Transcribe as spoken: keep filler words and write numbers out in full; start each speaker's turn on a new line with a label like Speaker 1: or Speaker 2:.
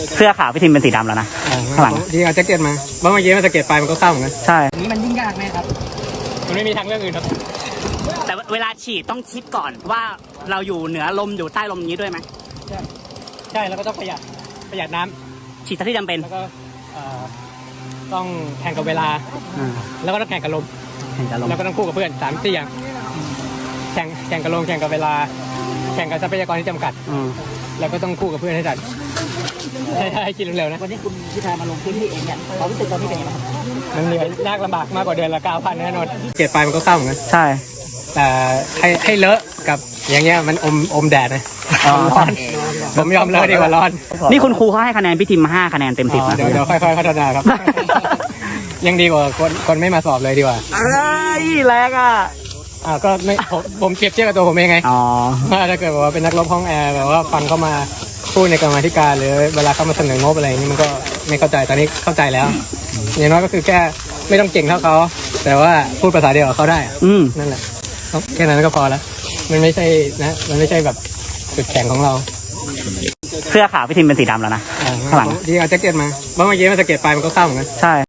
Speaker 1: เสื้อขาวพี่ทิมเป็นสีดำแล้วนะข้างหลัง
Speaker 2: จริงเอาแจ็คเก็ตมาเมื่อกี้มันจะเก็ตไปมันก็เข้าเหมือนกัน
Speaker 1: ใช่
Speaker 3: นี้มันยิ่งยากไหมครับ
Speaker 2: มันไม่มีทางเลือกอื่นครับ
Speaker 1: แต่เวลาฉีดต้องคิดก่อนว่าเราอยู่เหนือลมอยู่ใต้ลมอย่างนี้ด้วยไหม
Speaker 2: ใช่แล้วก็ต้องประหยัดประหยัดน้ำ
Speaker 1: ฉีดเท่าที่จำเป็น
Speaker 2: แล้วก็เอ่อต้องแข่งกับเวลา
Speaker 1: อ่า
Speaker 2: แล้วก็ต้องแข่งกับลม
Speaker 1: แข่งกับลม
Speaker 2: แล้วก็ต้องคู่กับเพื่อนสามสี่อย่างแข่งแข่งกับลมแข่งกับเวลา แข่งกับทรัพยากรที่จำกัด
Speaker 1: อืม
Speaker 2: แล้วก็ต้องคู่กับเพื่อนให้ทันให้ให้คิดเร็วๆนะ
Speaker 3: วันนี้คุณพิธามาลงพื้นที่เองเนี่ยความรู้สึกตอนนี้เป็นยังไงบ้าง
Speaker 2: มันเหนื่อยยากลำบากมากกว่าเดือนละเก้าพันแน่นอนเก็บไปมันก็เข้าเหมือนกัน
Speaker 1: ใช่
Speaker 2: แต่ให้ให้เลอะกับอย่างเงี้ยมันอมอมแดดนะ
Speaker 1: อ๋อ
Speaker 2: ร้อนผมยอมเลอะดีกว่าร้อน
Speaker 1: นี่คุณครูเขาให้คะแนนพี่ทิมห้าคะแนนเต็มสิบนะ
Speaker 2: เดี๋ยวเดี๋ยวค่อยๆพัฒนาครับ ยังดีกว่าคนคนไม่มาสอบเลยดีกว่า
Speaker 1: เอ้ยแรงอ่ะ
Speaker 2: อ่าก็ไม่ผมผมเปรียบเทียบกับตัวผมเองไง
Speaker 1: อ๋อ
Speaker 2: ว่าถ้าเกิดแบบว่าเป็นนักรบห้องแอร์แบบว่าฟังเข้ามาพูดในกรรมาธิการหรือเวลาเข้ามาเสนองบอะไรอย่างนี้มันก็ไม่เข้าใจตอนนี้เข้าใจแล้ว อย่างน้อยก็คือแค่ไม่ต้องเก่งเท่าเขาแต่ว่าพูดภาษาเดียวกับเขาได้อะ
Speaker 1: อืม
Speaker 2: นั่นแหละแค่นั้นก็พอแล้วมันไม่ใช่นะมันไม่ใช่แบบจุดแข็งของเรา
Speaker 1: เสื้อขาวพี่ทิมเป็นสีดำแล้วนะ
Speaker 2: อ่า
Speaker 1: ข้างหลัง
Speaker 2: จริงเอาแจ็คเก็ตมาเมื่อกี้มันจะเก็ตไปมันก็เข้าเหมือนกัน
Speaker 1: ใช่